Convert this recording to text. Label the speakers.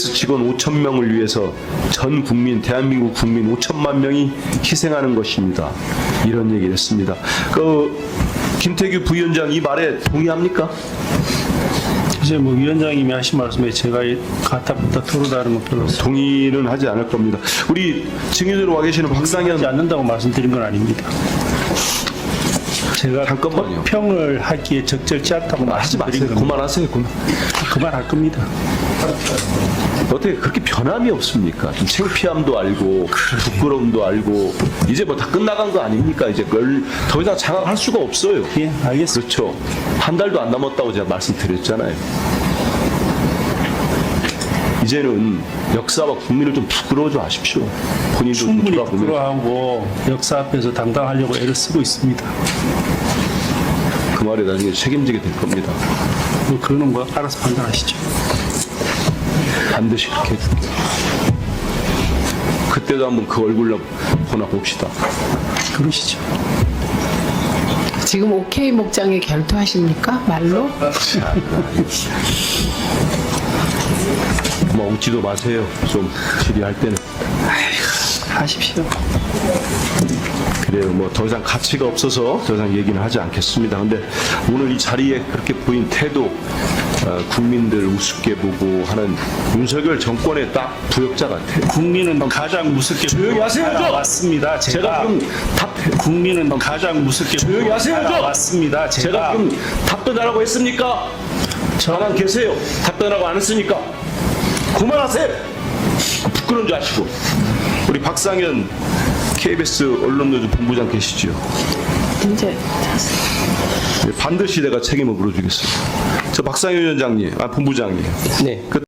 Speaker 1: 직원 5천 명을 위해서 전 국민, 대한민국 국민 5천만 명이 희생하는 것입니다. 이런 얘기를 했습니다. 김태규 부위원장 이 말에 동의합니까?
Speaker 2: 이제 뭐 위원장님이 하신 말씀에 제가 가타부타 토로다는 건 별로
Speaker 1: 동의는 하지 않을 겁니다. 우리 증인으로 와 계시는 박상현
Speaker 2: 하지 않는다고 말씀드린 건 아닙니다. 제가
Speaker 1: 잠깐만요.
Speaker 2: 평을 하기에 적절치 않다고
Speaker 1: 하지
Speaker 2: 말씀드린
Speaker 1: 마세요.
Speaker 2: 겁니다.
Speaker 1: 그만하세요.
Speaker 2: 그만할 겁니다.
Speaker 1: 어떻게 그렇게 변함이 없습니까? 좀 창피함도 알고 부끄러움도 알고 이제 뭐 다 끝나간 거 아닙니까? 이제 그걸 더 이상 장악할 수가 없어요.
Speaker 2: 예, 알겠습니다.
Speaker 1: 그렇죠. 한 달도 안 남았다고 제가 말씀드렸잖아요. 이제는 역사와 국민을 좀 부끄러워져 하십시오. 본인도 좀
Speaker 2: 충분히
Speaker 1: 돌아보면.
Speaker 2: 부끄러워하고 역사 앞에서 당당하려고 애를 쓰고 있습니다.
Speaker 1: 그 말에 나중에 책임지게 될 겁니다.
Speaker 2: 뭐 그거는 뭐 알아서 판단하시죠.
Speaker 1: 반드시 그렇게 해줄게요. 그때도 한번 그 얼굴로 보나 봅시다.
Speaker 2: 그러시죠.
Speaker 3: 지금 OK 목장에 결투하십니까? 말로?
Speaker 1: 뭐 웃지도 마세요. 좀 질의할 때는.
Speaker 2: 하십시오.
Speaker 1: 그래요. 뭐 더 이상 가치가 없어서 더 이상 얘기는 하지 않겠습니다. 근데 오늘 이 자리에 그렇게 보인 태도, 국민들 우습게 보고 하는 윤석열 정권의 딱 부역자 같아요.
Speaker 2: 국민은 가장 무섭게
Speaker 1: 조용히 하세요, 좀!
Speaker 2: 맞습니다.
Speaker 1: 제가 그럼
Speaker 2: 국민은 가장 무섭게
Speaker 1: 조용히 하세요, 좀!
Speaker 2: 맞습니다.
Speaker 1: 제가 그럼 답변하라고 했습니까? 가만 계세요. 답변하고 안 했으니까 그만하세요. 부끄러운 줄 아시고. 우리 박상현 KBS 언론노조 본부장 계시죠?
Speaker 3: 이제
Speaker 1: 반드시 내가 책임을 물어주겠습니다. 저 박상현 위원장님, 본부장님.
Speaker 4: 네.